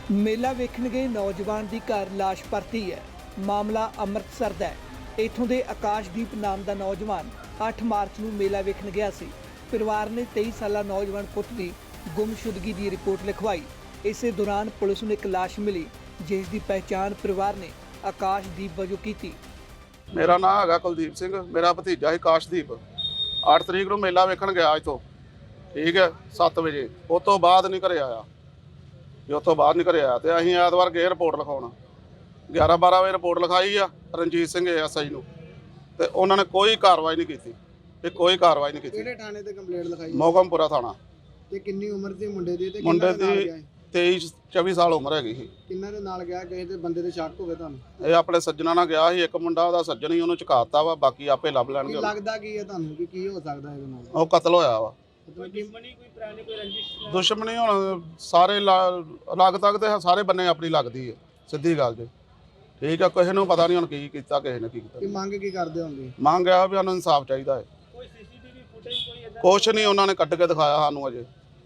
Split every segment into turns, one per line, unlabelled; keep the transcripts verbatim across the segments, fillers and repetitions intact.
ਮੇਲਾ ਵੇਖਣ ਗਏ ਨੌਜਵਾਨ ਦੀ ਘਰ ਲਾਸ਼ ਪਰਤੀ ਹੈ। ਮਾਮਲਾ ਅੰਮ੍ਰਿਤਸਰ ਦਾ ਹੈ। ਇੱਥੋਂ ਦੇ ਆਕਾਸ਼ਦੀਪ ਨਾਮ ਦਾ ਨੌਜਵਾਨ ਅੱਠ ਮਾਰਚ ਨੂੰ ਮੇਲਾ ਵੇਖਣ ਗਿਆ ਸੀ। ਪਰਿਵਾਰ ਨੇ ਤੇਈ ਸਾਲਾ ਨੌਜਵਾਨ ਪੁੱਤ ਦੀ ਗੁੰਮਸ਼ੁਦਗੀ ਦੀ ਰਿਪੋਰਟ ਲਿਖਵਾਈ। ਇਸੇ ਦੌਰਾਨ ਪੁਲਿਸ ਨੂੰ ਇੱਕ ਲਾਸ਼ ਮਿਲੀ, ਜਿਸ ਦੀ ਪਹਿਚਾਣ ਪਰਿਵਾਰ ਨੇ ਆਕਾਸ਼ਦੀਪ ਵਜੋਂ ਕੀਤੀ।
ਮੇਰਾ ਨਾਮ ਹੈਗਾ ਕੁਲਦੀਪ ਸਿੰਘ, ਮੇਰਾ ਭਤੀਜਾ ਹੈ ਆਕਾਸ਼ਦੀਪ। ਅੱਠ ਤਰੀਕ ਨੂੰ ਮੇਲਾ ਵੇਖਣ ਗਿਆ ਇੱਥੋਂ, ਠੀਕ ਹੈ, ਸੱਤ ਵਜੇ। ਉਸ ਤੋਂ ਬਾਅਦ ਨਹੀਂ ਘਰੇ ਆਇਆ। ਜੇ ਉਸ ਤੋਂ ਬਾਅਦ ਨਹੀਂ ਘਰੇ ਆਇਆ ਤੇ ਅਸੀਂ ਐਤਵਾਰ ਗਏ ਰਿਪੋਰਟ ਲਿਖਾਉਣ। ਗਿਆਰਾਂ ਬਾਰਾਂ ਵਜੇ ਰਿਪੋਰਟ ਲਿਖਾਈ ਆ ਰਣਜੀਤ ਸਿੰਘ ਐਸ ਆਈ ਨੂੰ, ਤੇ ਉਹਨਾਂ ਨੇ ਕੋਈ ਕਾਰਵਾਈ ਨਹੀਂ ਕੀਤੀ। ਇਹ ਕੋਈ ਕਾਰਵਾਈ ਨਹੀਂ ਕੀਤੀ।
ਕਿਹੜੇ ਥਾਣੇ ਤੇ ਕੰਪਲੇਂਟ ਲਿਖਾਈ?
ਮੋਗਮਪੁਰਾ ਥਾਣਾ।
ਤੇ ਕਿੰਨੀ ਉਮਰ ਸੀ ਮੁੰਡੇ ਦੀ ਤੇ
ਮੁੰਡੇ
ਕਿੰਨਾ ਦੇ ਨਾਲ
ਦੀ
ਗਿਆ?
ਤੇਈ ਚੌਵੀ ਸਾਲ ਉਮਰ ਹੈਗੀ ਸੀ।
ਕਿੰਨਾ ਦੇ ਨਾਲ ਗਿਆ? ਕਿਸੇ ਤੇ ਬੰਦੇ ਦੇ ਸ਼ੱਕ ਹੋਵੇ ਤੁਹਾਨੂੰ?
ਇਹ ਆਪਣੇ ਸੱਜਣਾ ਨਾਲ ਗਿਆ ਸੀ। ਇੱਕ ਮੁੰਡਾ ਉਹਦਾ ਸੱਜਣ ਹੀ, ਉਹਨੂੰ ਚੁਕਾਤਾ ਵਾ, ਬਾਕੀ ਆਪੇ ਲੱਭ
ਕੀ
ਲੈਣਗੇ ਉਹਨੂੰ।
ਲੱਗਦਾ ਕੀ ਹੈ ਤੁਹਾਨੂੰ ਕਿ ਕੀ ਹੋ ਸਕਦਾ ਇਹਦੇ ਨਾਲ?
ਉਹ ਕਤਲ ਹੋਇਆ ਵਾ।
ਮਤਲਬ ਕਿ
ਦੁਸ਼ਮਣੀ ਕੋਈ ਪੁਰਾਣੀ ਕੋਈ ਰੰਜਿਸ਼?
ਦੁਸ਼ਮਣੀ ਹੁਣ ਸਾਰੇ ਲੱਗ ਤੱਕ ਤੇ ਸਾਰੇ ਬੰਨੇ ਆਪਣੀ ਲੱਗਦੀ ਹੈ, ਸਿੱਧੀ ਗੱਲ ਜੇ, ਠੀਕ ਆ। ਕਿਸੇ ਨੂੰ ਪਤਾ ਨਹੀਂ ਹੁਣ ਕੀ ਕੀਤਾ, ਕਿਸੇ ਨੇ ਕੀ ਕੀਤਾ।
ਕੀ ਮੰਗ ਕੀ ਕਰਦੇ ਹੋਣਗੇ?
ਮੰਗ ਆ ਵੀ ਸਾਨੂੰ ਇਨਸਾਫ ਚਾਹੀਦਾ ਹੈ।
ਕੋਈ ਸੀਸੀਟੀਵੀ ਫੁਟੇਜ ਕੋਈ ਇਦਾਂ?
ਕੁਛ ਨਹੀਂ ਉਹਨਾਂ ਨੇ ਕੱਢ ਕੇ ਦਿਖਾਇਆ ਸਾਨੂੰ ਅਜੇ।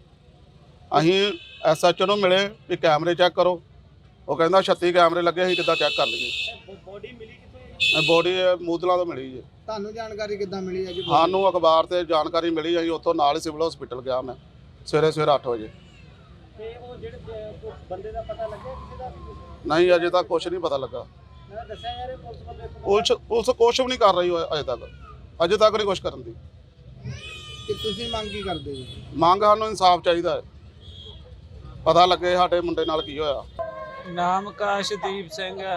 ਅਸੀਂ ਐਸ ਐਚ ਓ ਨੂੰ ਮਿਲੇ ਵੀ ਕੈਮਰੇ ਚੈੱਕ ਕਰੋ, ਉਹ ਕਹਿੰਦਾ ਛੱਤੀ ਕੈਮਰੇ ਲੱਗੇ, ਅਸੀਂ ਕਿੱਦਾਂ ਚੈੱਕ ਕਰ ਲਈਏ।
ਬੋਡੀ ਮਿਲੀ ਕਿੱਥੋਂ?
ਬੋਡੀ ਮੂਦਲਾਂ ਤੋਂ ਮਿਲੀ ਜੀ।
ਤੁਹਾਨੂੰ ਜਾਣਕਾਰੀ ਕਿੱਦਾਂ ਮਿਲੀ ਹੈ ਜੀ?
ਸਾਨੂੰ ਅਖਬਾਰ ਤੇ ਜਾਣਕਾਰੀ ਮਿਲੀ, ਅਸੀਂ ਉੱਥੋਂ ਨਾਲ ਹੀ ਸਿਵਲ ਹਸਪੀਟਲ ਗਿਆ ਮੈਂ ਸਵੇਰੇ ਸਵੇਰੇ ਅੱਠ ਵਜੇ।
ਤੇ ਉਹ ਜਿਹੜੇ ਬ- ਬੰਦੇ ਦਾ ਪਤਾ ਲੱਗਿਆ ਕਿਸੇ ਦਾ?
ਨਹੀਂ, ਅਜੇ ਤੱਕ ਕੁਛ ਨਹੀਂ ਪਤਾ ਲੱਗਾ।
ਮੈਂ ਦੱਸਿਆ ਯਾਰ ਇਹ ਪੁਲਿਸ ਵੱਲੋਂ ਇੱਕ
ਪੁਲਿਸ ਪੁਲਿਸ ਕੁਛ ਵੀ ਨਹੀਂ ਕਰ ਰਹੀ ਹੋਏ ਅਜੇ ਤੱਕ। ਅਜੇ ਤੱਕ ਨਹੀਂ ਕੁਛ ਕਰਨ ਦੀ।
ਕਿ ਤੁਸੀਂ ਮੰਗ ਕੀ ਕਰਦੇ ਜੀ?
ਮੰਗ ਸਾਨੂੰ ਇਨਸਾਫ ਚਾਹੀਦਾ ਹੈ, ਪਤਾ ਲੱਗੇ ਸਾਡੇ ਮੁੰਡੇ ਨਾਲ ਕੀ ਹੋਇਆ।
ਨਾਮ ਆਕਾਸ਼ਦੀਪ ਸਿੰਘ ਹੈ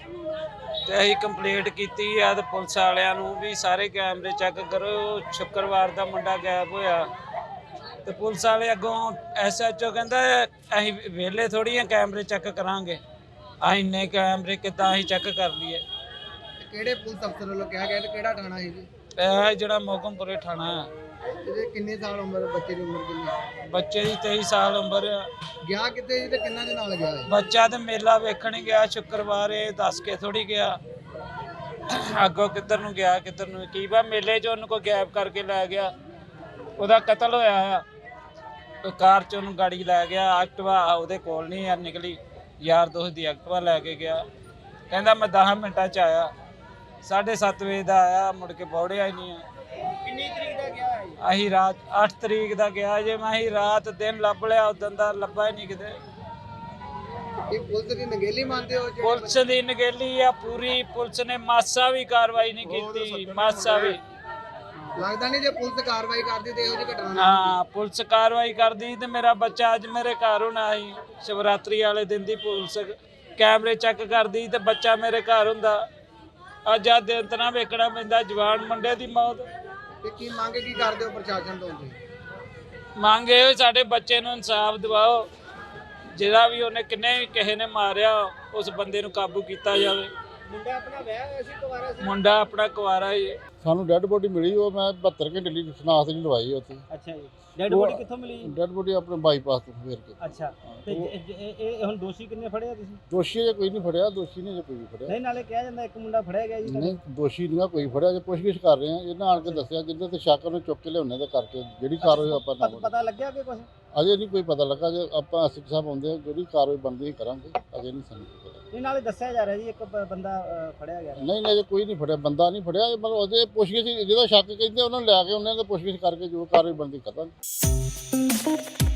ਤੇ ਅਸੀਂ ਕੰਪਲੀਟ ਕੀਤੀ ਆ ਤੇ ਪੁਲਿਸ ਵਾਲਿਆਂ ਨੂੰ ਵੀ ਸਾਰੇ ਕੈਮਰੇ ਚੈੱਕ ਕਰੋ। ਸ਼ੁੱਕਰਵਾਰ ਦਾ ਮੁੰਡਾ ਗਾਇਬ ਹੋਇਆ ਤੇ ਪੁਲਿਸ ਵਾਲੇ ਅੱਗੋਂ ਐਸ ਐਚ ਓ ਕਹਿੰਦਾ ਅਸੀਂ ਵਿਹਲੇ ਥੋੜੀ ਆ ਕੈਮਰੇ ਚੈੱਕ ਕਰਾਂਗੇ। ਅਸੀਂ ਇੰਨੇ ਕੈਮਰੇ ਕਿੱਦਾਂ ਅਸੀਂ ਚੈੱਕ ਕਰ ਲਈਏ?
ਕਿਹੜੇ ਪੁਲਿਸ ਅਫਸਰ ਵੱਲੋਂ ਕਿਹਾ ਗਿਆ ਤੇ ਕਿਹੜਾ ਥਾਣਾ ਹੈ ਜੀ?
ਇਹ ਜਿਹੜਾ ਮੋਗਮਪੁਰੇ ਥਾਣਾ ਹੈ।
ਇਹਦੇ ਕਿੰਨੇ ਸਾਲ ਉਮਰ? ਬੱਚੇ ਦੀ ਉਮਰ ਕਿੰਨੀ?
ਬੱਚੇ ਦੀ ਤੇਈ ਸਾਲ ਉਮਰ ਆ।
ਗਿਆ ਕਿੱਥੇ ਜੀ ਤੇ ਕਿੰਨਾ ਦੇ ਨਾਲ ਗਿਆ ਹੈ?
ਬੱਚਾ ਤੇ ਮੇਲਾ ਵੇਖਣ ਹੀ ਗਿਆ ਸ਼ੁੱਕਰਵਾਰ, ਇਹ ਦੱਸ ਕੇ ਥੋੜੀ ਗਿਆ। ਅੱਗੋਂ ਕਿੱਧਰ ਨੂੰ ਗਿਆ ਕਿੱਧਰ ਨੂੰ ਕੀ ਪਾ। ਮੇਲੇ 'ਚ ਉਹਨੂੰ ਕੋਈ ਗਾਇਬ ਕਰਕੇ ਲੈ ਗਿਆ। ਉਹਦਾ ਕਤਲ ਹੋਇਆ ਆ। ਉਹ ਕਾਰ 'ਚ ਉਹਨੂੰ ਗਾੜੀ ਲੈ ਗਿਆ। ਐਕਟਿਵਾ ਉਹਦੇ ਕੋਲ ਨਹੀਂ ਯਾਰ ਨਿਕਲੀ, ਯਾਰ ਦੋਸਤ ਦੀ ਐਕਟਿਵਾ ਲੈ ਕੇ ਗਿਆ। ਕਹਿੰਦਾ ਮੈਂ ਦਸ ਮਿੰਟਾਂ 'ਚ ਆਇਆ। ਸਾਢੇ ਸੱਤ ਵਜੇ ਦਾ ਆਇਆ, ਮੁੜ ਕੇ ਪਹੁੰਚਿਆ ਹੀ ਨਹੀਂ ਆ।
ਕਿੰਨੀ ਤਰੀਕ ਦਾ ਗਿਆ ਹੈ?
ਅਸੀਂ ਰਾਤ ਅੱਠ ਤਰੀਕ ਦਾ ਗਿਆ ਜੇ। ਮੈਂ ਅਸੀਂ ਰਾਤ ਦਿਨ ਲੱਭ ਲਿਆ, ਉਦੋਂ ਦਾ ਲੱਭਾ ਹੀ ਨਹੀਂ ਕਿਤੇ।
ਇਹ ਪੁਲਿਸ ਦੀ ਨਗੇਲੀ ਮੰਨਦੇ ਹੋ? ਜਿਹੜੇ
ਪੁਲਿਸ ਦੀ ਨਗੇਲੀ ਆ ਪੂਰੀ। ਪੁਲਿਸ ਨੇ ਮਾਸਾ ਵੀ ਕਾਰਵਾਈ ਨਹੀਂ ਕੀਤੀ, ਮਾਸਾ ਵੀ।
ਲੱਗਦਾ ਨਹੀਂ ਜੇ ਪੁਲਿਸ ਕਾਰਵਾਈ ਕਰਦੀ ਤੇ ਇਹੋ ਜਿਹੀ ਘਟਨਾ ਨਾ
ਹਾਂ, ਪੁਲਿਸ ਕਾਰਵਾਈ ਕਰਦੀ ਤੇ ਮੇਰਾ ਬੱਚਾ ਅੱਜ ਮੇਰੇ ਘਰ ਹੋਣਾ ਸੀ। ਸ਼ਿਵਰਾਤਰੀ ਵਾਲੇ ਦਿਨ ਦੀ ਪੁਲਿਸ ਕੈਮਰੇ ਚੈੱਕ ਕਰਦੀ ਤੇ ਬੱਚਾ ਮੇਰੇ ਘਰ ਹੁੰਦਾ। ਅੱਜ ਆ ਦਿਨ ਤਾਂ ਵੇਖਣਾ ਪੈਂਦਾ ਜਵਾਨ ਮੁੰਡੇ ਦੀ ਮੌਤ।
ਤੇ ਕੀ ਮੰਗ ਕੀ ਕਰਦੇ ਹੋ ਪ੍ਰਸ਼ਾਸਨ ਤੋਂ ਜੀ?
ਮੰਗ ਇਹ ਸਾਡੇ ਬੱਚੇ ਨੂੰ ਇਨਸਾਫ ਦਿਵਾਓ। ਜਿਹੜਾ ਵੀ ਉਹਨੇ ਕਿੰਨੇ ਕਿਸੇ ਨੇ ਮਾਰਿਆ, ਉਸ ਬੰਦੇ ਨੂੰ ਕਾਬੂ ਕੀਤਾ ਜਾਵੇ।
ਮੁੰਡਾ ਆਪਣਾ ਵਿਆਹ ਹੋਇਆ ਸੀ, ਕੁਵਾਰਾ ਸੀ?
ਮੁੰਡਾ ਆਪਣਾ ਕੁਆਰਾ ਹੀ ਹੈ।
ਸਾਨੂੰ ਡੈੱਡ ਬੋਡੀ ਮਿਲੀ, ਉਹ ਮੈਂ ਬਹੱਤਰ ਘੰਟੇ ਲਈ ਸਨਾਖਤ ਨਹੀਂ ਲਵਾਈ ਉੱਥੇ।
ਅੱਛਾ ਜੀ। ਡੈਡ ਬੋਡੀ ਕਿੱਥੋਂ ਮਿਲੀ?
ਡੈੱਡ ਬੋਡੀ ਆਪਣੇ ਬਾਈਪਾਸ ਤੋਂ ਫੇਰ ਕੇ।
ਅੱਛਾ। ਤੇ ਜ- ਜ- ਇਹ ਇਹ ਹੁਣ ਦੋਸ਼ੀ ਕਿੰਨੇ ਫੜਿਆ ਤੁਸੀਂ?
ਦੋਸ਼ੀ ਜੇ ਕੋਈ ਨਹੀਂ ਫੜਿਆ, ਦੋਸ਼ੀ ਨੇ ਜੇ ਕੋਈ ਵੀ ਫੜਿਆ।
ਨਹੀਂ, ਨਾਲੇ ਕਿਹਾ ਜਾਂਦਾ ਇੱਕ ਮੁੰਡਾ ਫੜਿਆ ਗਿਆ ਜੀ।
ਨਹੀਂ, ਦੋਸ਼ੀ ਨਹੀਂ ਕੋਈ ਫੜਿਆ। ਜੇ ਪੁੱਛਗਿੱਛ ਕਰ ਰਹੇ ਆ, ਇਹਨਾਂ ਆਣ ਕੇ ਦੱਸਿਆ ਜਿੱਦਾਂ ਤੇ ਸ਼ੱਕ ਉਹਨੂੰ ਚੁੱਕ ਕੇ ਲਿਆਉਣੇ ਦਾ ਕਰਕੇ ਜਿਹੜੀ ਕਾਰਵਾਈ ਆਪਾਂ
ਪਤਾ-
ਨਾ
ਪਤਾ ਲੱਗਿਆ ਕਿ ਕੁਝ?
ਅਜੇ ਨਹੀਂ ਕੋਈ ਪਤਾ ਲੱਗਾ। ਜੇ ਆਪਾਂ ਐਸ ਐਚ ਸਾਹਿਬ ਆਉਂਦੇ ਆ, ਜਿਹੜੀ ਕਾਰਵਾਈ ਬਣਦੀ ਕਰਾਂਗੇ। ਅਜੇ ਨਹੀਂ ਸਾਨੂੰ ਪਤਾ।
ਨਹੀਂ, ਨਾਲੇ ਦੱਸਿਆ ਜਾ ਰਿਹਾ ਜੀ ਇੱਕ ਬ- ਬੰਦਾ ਅ, ਫੜਿਆ ਗਿਆ।
ਨਹੀਂ ਨਹੀਂ, ਅਜੇ ਕੋਈ ਨਹੀਂ ਫੜਿਆ, ਬੰਦਾ ਨਹੀਂ ਫੜਿਆ। ਮਤਲਬ ਅਜੇ ਪੁੱਛਗਿੱਛ ਜਿਹਦਾ ਸ਼ੱਕ ਕਹਿੰਦੇ ਉਹਨਾਂ ਨੂੰ ਲੈ ਕੇ ਉਹਨਾਂ ਦੇ ਪੁੱਛਗਿੱਛ ਕਰਕੇ ਜੋ ਕਾਰਵਾਈ ਬਣਦੀ ਕਰਾਂਗੇ।